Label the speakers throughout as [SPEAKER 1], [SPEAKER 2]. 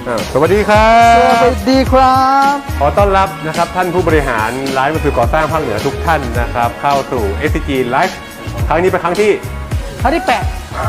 [SPEAKER 1] สวัสดีครับ
[SPEAKER 2] สวัสดีครับ
[SPEAKER 1] ขอต้อนรับนะครับท่านผู้บริหารร้านวัสดุก่อสร้างภาคเหนือทุกท่านนะครับเข้าสู่ SCG Live ครั้งนี้เป็นครั้งที่
[SPEAKER 2] ที่8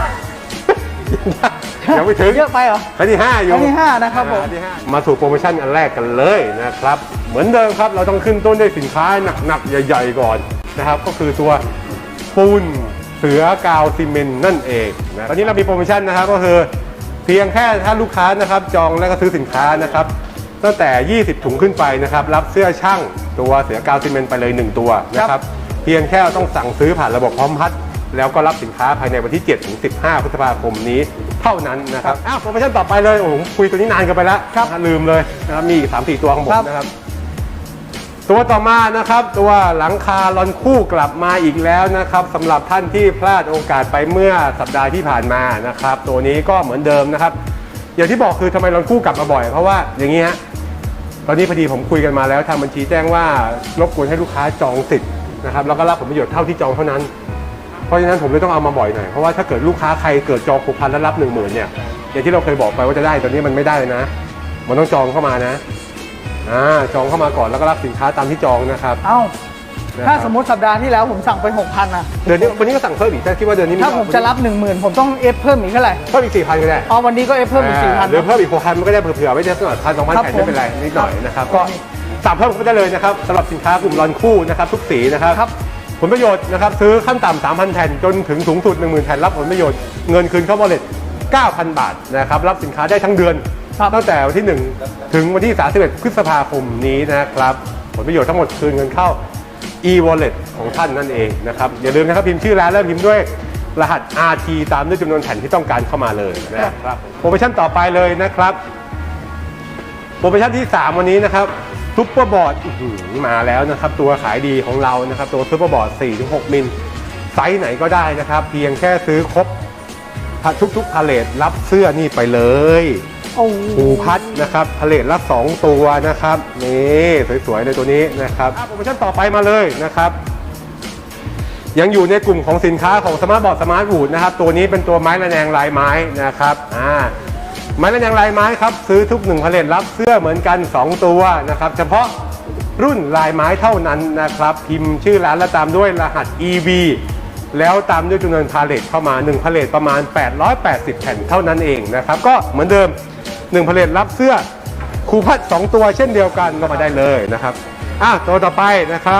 [SPEAKER 1] ยังไม่ถึง
[SPEAKER 2] เยอะไปเหรอ
[SPEAKER 1] ครั้งที่5อยู่
[SPEAKER 2] ครั้งที่5นะครับผม
[SPEAKER 1] ครั้งที่5มาสู่โปรโมชั่นอันแรกกันเลยนะครับเหมือนเดิมครับเราต้องขึ้นต้นด้วยสินค้าหนักๆใหญ่ๆก่อนนะครับก็คือตัวปูนเสือกาวซีเมนต์นั่นเองนะตอนนี้เรามีโปรโมชั่นนะครับก็คือเพียงแค่ถ้าลูกค้านะครับจองและก็ซื้อสินค้านะครับตั้งแต่ 20 ถุงขึ้นไปนะครับรับเสื้อช่างตัวเสือกาวซีเมนต์ไปเลย1ตัวนะครับเพียงแค่ต้องสั่งซื้อผ่านระบบพร้อมพัดแล้วก็รับสินค้าภายในวันที่7ถึง15พฤษภาคมนี้เท่านั้นนะครับโปรโมชั่นต่อไปเลยโอ้โหคุยตัวนี้นานกันไปแล้วลืมเลยนะครับมีอีก 3-4 ตัวของผมนะครับตัวต่อมานะครับตัวหลังคาลอนคู่กลับมาอีกแล้วนะครับสำหรับท่านที่พลาดโอกาสไปเมื่อสัปดาห์ที่ผ่านมานะครับตัวนี้ก็เหมือนเดิมนะครับอย่างที่บอกคือทำไมลอนคู่กลับมาบ่อยเพราะว่าอย่างนี้ฮะตอนนี้พอดีผมคุยกันมาแล้วทางบัญชีแจ้งว่ารบกวนให้ลูกค้าจองสิทธิ์นะครับแล้วก็รับผลประโยชน์เท่าที่จองเท่านั้นเพราะฉะนั้นผมเลยต้องเอามาบ่อยหน่อยเพราะว่าถ้าเกิดลูกค้าใครเกิดจอง6,000แล้วรับ 10,000เนี่ยอย่างที่เราเคยบอกไปว่าจะได้ตอนนี้มันไม่ได้เลยนะมันต้องจองเข้ามานะจองเข้ามาก่อนแล้วก็รับสินค้าตามที่จองนะครับ
[SPEAKER 2] ถ้าสมมติสัปดาห์ที่แล้วผมสั่งไป 6,000นะ
[SPEAKER 1] เดือนนี้วันนี้ก็สั่งเพิ่มอีกแต่คิดว่าเดือนนี้
[SPEAKER 2] ถ้าผมจะรับ 10,000ผมต้องเอฟเพิ่มอีกเท่าไหร่
[SPEAKER 1] เพิ่มอีก 4,000 ก็ได้
[SPEAKER 2] วันนี้ก็เอฟเพิ่มอีก 4,000
[SPEAKER 1] หรือเพิ่มอีก 6,000 มันก็ได้เผื่อๆไว้ได้สักหน่อย1,000-2,000แผ่นไม่เป็นไรนิดหน่อยนะครับก็สั่งเพิ่มก็ได้เลยนะครับสำหรับสินค้ากลุ่มรอนคู่นะครับทุกสีนะครับผลประโยชน์นะครับซื้อขั้นต่ำ 3,000 แผ่นจนถึงสูงสุด 10,000 แผ่นรับผลประโยชน์เงินคืนเข้า wallet 9,000 บาทนะครับรับสินค้าได้ทั้งเดือนตั้งแต่วันที่1ถึงวันที่31พฤษภาคมนี้นะครับผลประโยชน์ทั้งหมดคืนเงินเข้า e-wallet ของท่านนั่นเองนะครับอย่าลืมนะครับพิมพ์ชื่อร้านแล้วพิมพ์ด้วยรหัส RT ตามด้วยจำนวนแผ่นที่ต้องการเข้ามาเลยนะครับโปรโมชั่นต่อไปเลยนะครับโปรโมชั่นที่3วันนี้นะครับซุปเปอร์บอร์ดมาแล้วนะครับตัวขายดีของเรานะครับตัวซุปเปอร์บอร์ด 4-6 มิลไซส์ไหนก็ได้นะครับเพียงแค่ซื้อครบทุกพาเลทรับเสื้อนี่ไปเลยภูพัดนะครับพาเลทละ2ตัวนะครับนี่สวยๆเลยตัวนี้นะครับโปรโมชั่นต่อไปมาเลยนะครับยังอยู่ในกลุ่มของสินค้าของสมาร์ทบอร์ดสมาร์ทวูดนะครับตัวนี้เป็นตัวไม้ระแนงลายไม้นะครับไม้ระแนงลายไม้ครับซื้อทุก1พาเลทรับเสื้อเหมือนกัน2ตัวนะครับเฉพาะรุ่นลายไม้เท่านั้นนะครับพิมพ์ชื่อร้านและตามด้วยรหัส EV แล้วตามด้วยจำนวนพาเลทเข้ามา1พาเลทประมาณ880แผ่นเท่านั้นเองนะครับก็เหมือนเดิม1พาเลทรับเสื้อคูพัด2ตัวเช่นเดียวกันก็มาได้เลยนะครับตัวต่อไปนะครับ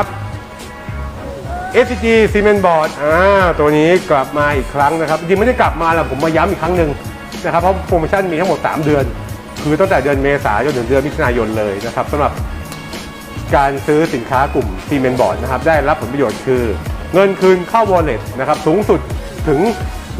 [SPEAKER 1] SCG Cement Board ตัวนี้กลับมาอีกครั้งนะครับจริงไม่ได้กลับมาแล้วผมมาย้ำอีกครั้งหนึ่งนะครับเพราะโปรโมชั่นมีทั้งหมด3เดือนคือตั้งแต่เดือนเมษายนถึงเดือนมิถุนายนเลยนะครับสำหรับการซื้อสินค้ากลุ่ม Cement Board นะครับได้รับผลประโยชน์คือเงินคืนเข้า wallet นะครับสูงสุดถึง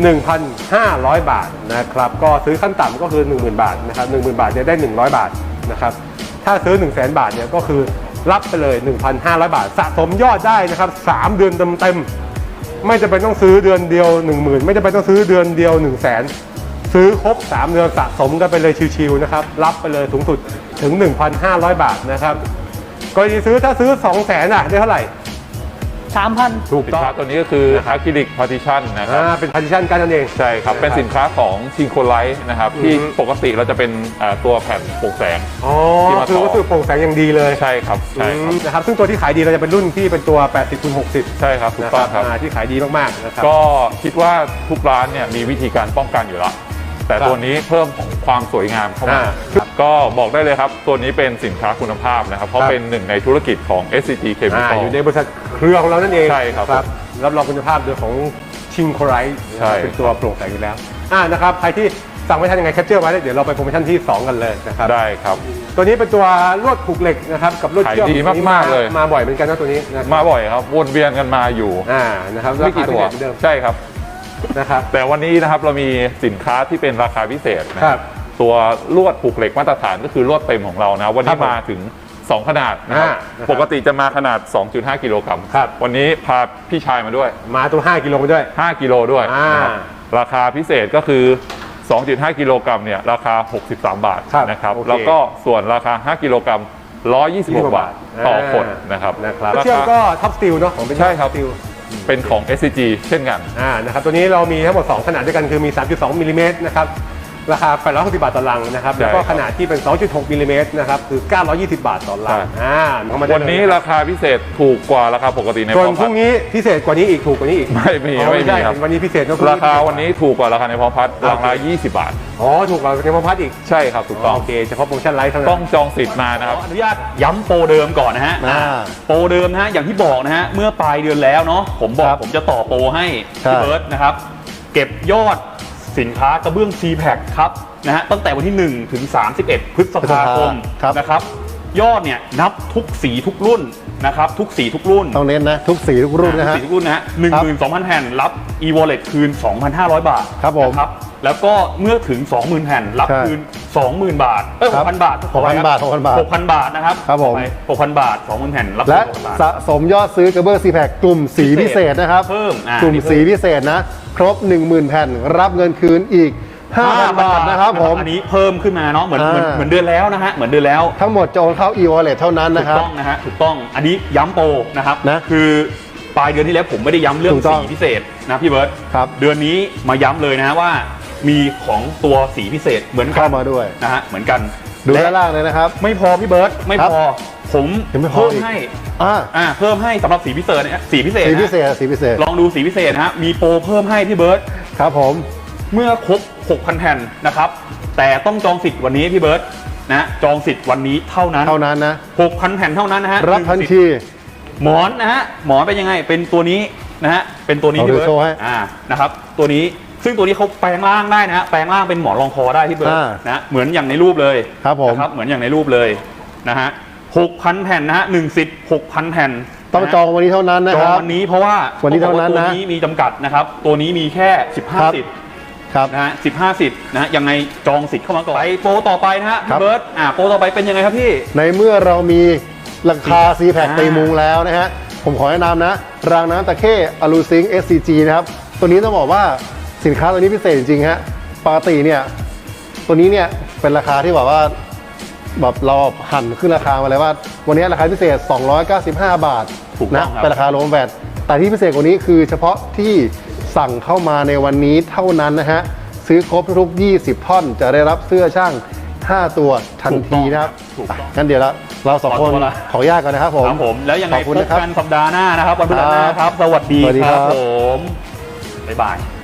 [SPEAKER 1] 1,500 บาทนะครับก็ซื้อขั้นต่ำก็คือ 10,000 บาทนะครับ 10,000 บาทเนี่ยได้100 บาทนะครับถ้าซื้อ 100,000 บาทเนี่ยก็คือรับไปเลย 1,500 บาทสะสมยอดได้นะครับ3เดือนเต็มๆไม่จำเป็นต้องซื้อเดือนเดียว 10,000 ไม่จำเป็นต้องซื้อเดือนเดียว 100,000 ซื้อครบ3เดือนสะสมกันไปเลยชิวๆนะครับรับไปเลยสูงสุดถึง 1,500 บาทนะครับกรณีซื้อถ้าซื้อ 200,000 ได้เท่าไหร่
[SPEAKER 2] 3,000
[SPEAKER 1] ถูกต้อง
[SPEAKER 3] ตัวนี้ก็คืออะคริลิกพาร์ติชันนะครับ
[SPEAKER 1] เป็นพาร์ติชันกันนั่นเอง
[SPEAKER 3] ใช่ครับเป็นสินค้าของชิงโคไลท์นะครับที่ปกติเราจะเป็นตัวแผ่นโปร่งแสง
[SPEAKER 1] คือวัสดุโปร่งแสงอย่างดีเลย
[SPEAKER 3] ใช่ครับใช่ครับ
[SPEAKER 1] นะครับซึ่งตัวที่ขายดีเราจะเป็นรุ่นที่เป็นตัว 80x60
[SPEAKER 3] ใช่ครับถูกต้องครับ
[SPEAKER 1] ที่ขายดีมากๆนะครับ
[SPEAKER 3] ก็คิดว่าทุกร้านเนี่ยมีวิธีการป้องกันอยู่แล้วแต่ตัวนี้เพิ่มความสวยงามเข้ามาก็บอกได้เลยครับตัวนี้เป็นสินค้าคุณภาพนะครับเพราะเป็นหนึ่งในธุรกิจของ SCG Chemical
[SPEAKER 1] อยู่ในบริษัทเครือของเรานั่นเอง
[SPEAKER 3] ใช่ครับ
[SPEAKER 1] รับรองคุณภาพโดยของชิงโคไลท์เป็นตัวโปร่งแสงอยู่แล้วนะครับใครที่สั่งไม่ทันยังไงแคปเจอร์ไว้เดี๋ยวเราไปโปรโมชั่นที่2กันเลยนะครับ
[SPEAKER 3] ได้ครับ
[SPEAKER 1] ตัวนี้เป็นตัวลวดผูกเหล็กนะครับกับลวดเชือก
[SPEAKER 3] ดีมากๆเลย
[SPEAKER 1] มาบ่อยเหมือนกันนะตัวนี้
[SPEAKER 3] มาบ่อยครับวนเวียนกันมาอยู่
[SPEAKER 1] นะครับ
[SPEAKER 3] ไม่กี่ตัวใช่ครับ
[SPEAKER 1] นะครับ
[SPEAKER 3] แต่วันนี้นะครับเรามีสินค้าที่เป็นราคาพิเศษนะครับตัวลวดผูกเหล็กมาตรฐานก็คือลวดเต็มของเรานะวันนี้มาถึง2ขนาดนะครับปกติจะมาขนาด 2.5 กิโลกรัมวันนี้พาพี่ชายมาด้วย
[SPEAKER 1] มาตัว5กิโลมาด้วย
[SPEAKER 3] 5กิโลด้วยราคาพิเศษก็คือ 2.5 กิโลกรัมเนี่ยราคา63 บาทนะครับแล้วก็ส่วนราคา5กิโลกรัม126 บาทต่อคนนะครับ
[SPEAKER 1] เชือกก็ท็อปสตีลเนาะของเป็น
[SPEAKER 3] ใช่ครับเป็นของ SCG เช่นกัน
[SPEAKER 1] นะครับตัวนี้เรามีทั้งหมด2ขนาดด้วยกันคือมี 3.2 มิลลิเมตรนะครับราคา860 บาทต่อลังนะครับแล้วก็ขนาดที่เป็น 2.6 มิลลิเมตรนะครับคือ920 บาทต่อลังเข้ามาได้เลย
[SPEAKER 3] วันนี้ราคาพิเศษถูกกว่าราคาปกติใน
[SPEAKER 1] ส่วน
[SPEAKER 3] พร้อม
[SPEAKER 1] พ
[SPEAKER 3] พั
[SPEAKER 1] รุ่
[SPEAKER 3] ฒ
[SPEAKER 1] ง
[SPEAKER 3] น์
[SPEAKER 1] นี้พิเศษกว่านี้อีกถูกกว่านี้อีก
[SPEAKER 3] ไม่มี
[SPEAKER 1] อ๋อ
[SPEAKER 3] ไม่มีครับ
[SPEAKER 1] วันนี้พิเศษนะ
[SPEAKER 3] ราคาวันนี้ถูกกว่าราคาในพร้อมพัฒน์ราคา20 บาท
[SPEAKER 1] อ๋อถูกกว่าในพร้อมพัฒน์อีก
[SPEAKER 3] ใช่ครับถูกต้อง
[SPEAKER 1] โอเคเฉพาะโปรโมชั่นไลฟ์เท่านั้น
[SPEAKER 3] ต้องจองสิทธิ์มานะครับ
[SPEAKER 4] อนุญาตย้ำโปรเดิมก่อนนะฮะ โปรเดิมนะฮะอย่างที่บอกนะฮะเมื่อปลายเดือนแล้วเนาะผมบอกผมจะต่อโปรให้พี่เบิร์ตนะครับเก็บยอดสินค้ากระเบื้อง C-Pack ครับนะฮะตั้งแต่วันที่ 1 ถึง 31 พฤษภาคมนะครับยอดเนี่ยนับทุกสีทุกรุ่นนะครับทุกสีทุกรุ่น
[SPEAKER 5] ต้องเน้นนะทุกสีทุกรุ่นนะฮะ
[SPEAKER 4] ทุกสีทุกรุ่นนะฮะ 12,000 แผ่นรับ e-wallet คืน 2,500 บาท
[SPEAKER 5] ครับผม
[SPEAKER 4] นะครับแล้วก็เมื่อถึง 20,000 แผ่นรับ
[SPEAKER 5] ใช่
[SPEAKER 4] คืน 20,000 บาท
[SPEAKER 5] ครับ
[SPEAKER 4] 6,000 บาท
[SPEAKER 5] 6,000 บาท 6,000 บาท
[SPEAKER 4] 6,000 บาทนะครับ
[SPEAKER 5] ครับผม
[SPEAKER 4] 6,000 บาท 20,000 แผ่นรับ
[SPEAKER 5] และ
[SPEAKER 4] 6,000 บาท
[SPEAKER 5] สะสมยอดซื้อกระเบื้อง C-Pack กลุ่มสีพิเศษนะครับ
[SPEAKER 4] เพิ่ม
[SPEAKER 5] กลุ่มสีพิเศษนะ ครบ 10,000 แผ่นรับเงินคืนอีก 5,000 บาทนะครับผม
[SPEAKER 4] อันนี้เพิ่มขึ้นมาเนาะเหมือน
[SPEAKER 5] อ่า
[SPEAKER 4] เหมือนเดือนแล้วนะฮะเหมือนเดือนแล้ว
[SPEAKER 5] ทั้งหมดจะโอนเข้า e-wallet เท่านั้น
[SPEAKER 4] ถู
[SPEAKER 5] นะ
[SPEAKER 4] ก
[SPEAKER 5] ครับ
[SPEAKER 4] ต้องนะฮะถูกต้องอันนี้ย้ำโปรนะครับ
[SPEAKER 5] นะ
[SPEAKER 4] คือปลายเดือนที่แล้วผมไม่ได้ย้ำเรื่อง
[SPEAKER 5] ถูกต้อง
[SPEAKER 4] สีพิเศษนะพี่เบิร์ต
[SPEAKER 5] ครับ
[SPEAKER 4] เดือนนี้มาย้ำเลยนะว่ามีของตัวสีพิเศษเหมือนกั
[SPEAKER 5] เข้ามาด้วย
[SPEAKER 4] นะฮะเหมือนกัน
[SPEAKER 5] ดู
[SPEAKER 4] และ
[SPEAKER 5] ด้านล่างเลยนะครับ
[SPEAKER 4] ไม่พอพี่เบิร์ตไม่
[SPEAKER 5] ครับ
[SPEAKER 4] พอผม
[SPEAKER 5] ยังไม่พอ
[SPEAKER 4] เพิ่ม
[SPEAKER 5] อีก
[SPEAKER 4] ให้
[SPEAKER 5] อ่า
[SPEAKER 4] เพิ่มให้สำหรับสีพิเศษเนี่ยสีพิเศษ
[SPEAKER 5] สี
[SPEAKER 4] นะ
[SPEAKER 5] พิเศษสีพิเศษ
[SPEAKER 4] ลองดูสีพิเศษนะฮะมีโปรเพิ่มให้พี่เบิร์ต
[SPEAKER 5] ครับผม
[SPEAKER 4] เมื่อครบ 6,000 แผ่นนะครับแต่ต้องจองสิทธิ์วันนี้พี่เบิร์ตนะจองสิทธิ์วันนี้เท่านั้น
[SPEAKER 5] เท่านั้นนะ
[SPEAKER 4] 6,000 แผ่นเท่านั้นนะฮะ
[SPEAKER 5] รับทัน
[SPEAKER 4] 1สิทธิ์
[SPEAKER 5] ที
[SPEAKER 4] หมอนนะฮะหมอนเป็นยังไงเป็นตัวนี้นะฮะเป็นตัวนี้
[SPEAKER 5] เอา
[SPEAKER 4] พี่
[SPEAKER 5] ดู
[SPEAKER 4] เบิร์
[SPEAKER 5] โชว์ให้
[SPEAKER 4] ตนะครับตัวนี้ซึ่งตัวนี้เขาแปลงร่างได้นะฮะแปลงร่างเป็นหมอนรองคอได้พี่เบิร์ตนะเหมือนอย่างในรูปเลย
[SPEAKER 5] ครับผม
[SPEAKER 4] นะครับเหมือนอย่างในรูปเลยนะฮะ 6,000 แผ่นนะฮะ1สิทธิ์ 6,000 แผ่น
[SPEAKER 5] ต้องจองวันนี้เท่านั้นนะ
[SPEAKER 4] จอ
[SPEAKER 5] ค
[SPEAKER 4] ง
[SPEAKER 5] รับ
[SPEAKER 4] วันนี้เพราะว่า
[SPEAKER 5] วันนี้เท่านั้นนะ
[SPEAKER 4] ตัวนี้มีจำกัดนะครับตัวนี้มีแค่ 15 สิทธิ์
[SPEAKER 5] ครับ
[SPEAKER 4] นะฮะ15 สิทธิ์นะฮะยังไงจองสิทธิ์เข้ามาก่อนไปโปรต่อไปนะฮะ
[SPEAKER 5] ครั
[SPEAKER 4] พี่
[SPEAKER 5] บ
[SPEAKER 4] เบิร์ตโปรต่อไปเป็นยังไงครับพี่
[SPEAKER 5] ในเมื่อเรามีราคา C-Pack ตีมุงแล้วนะฮะ ผมขอแนะนำนะ รางน้ำตะเข้อลูซิง SCG นะครับ ตัวนี้ต้องบอกว่าสินค้าตัวนี้พิเศษจริงๆฮะ ปกติเนี่ยตัวนี้เนี่ยเป็นราคาที่แบบว่าแบบเราหั่นขึ้นราคามาเลยว่า วันนี้ราคาพิเศษ 295 บาท
[SPEAKER 4] ถูกต้
[SPEAKER 5] นะ
[SPEAKER 4] องครับ
[SPEAKER 5] เป็นราคารวมแวตแต่ที่พิเศษกว่านี้คือเฉพาะที่สั่งเข้ามาในวันนี้เท่านั้นนะฮะ ซื้อครบทุก20 ท่อนจะได้รับเสื้อช่าง 5 ตัวทันทีนะครับ
[SPEAKER 4] ถูกต้อง
[SPEAKER 5] งั้นเดี๋ยวเราสองคน
[SPEAKER 4] ขอตัวละ
[SPEAKER 5] ขออนุญาตก่อนนะครับผม
[SPEAKER 4] ครับผมแล้วยังไง
[SPEAKER 5] ขอบ
[SPEAKER 4] พ
[SPEAKER 5] คุณ
[SPEAKER 4] บ
[SPEAKER 5] นะครับ
[SPEAKER 4] กันสัปดาห์หน้านะครับวันพฤหัสหน้าครับ สวัสดี
[SPEAKER 5] สวัสดี
[SPEAKER 4] ค
[SPEAKER 5] ครั
[SPEAKER 4] รับ บผมบ๊ายบาย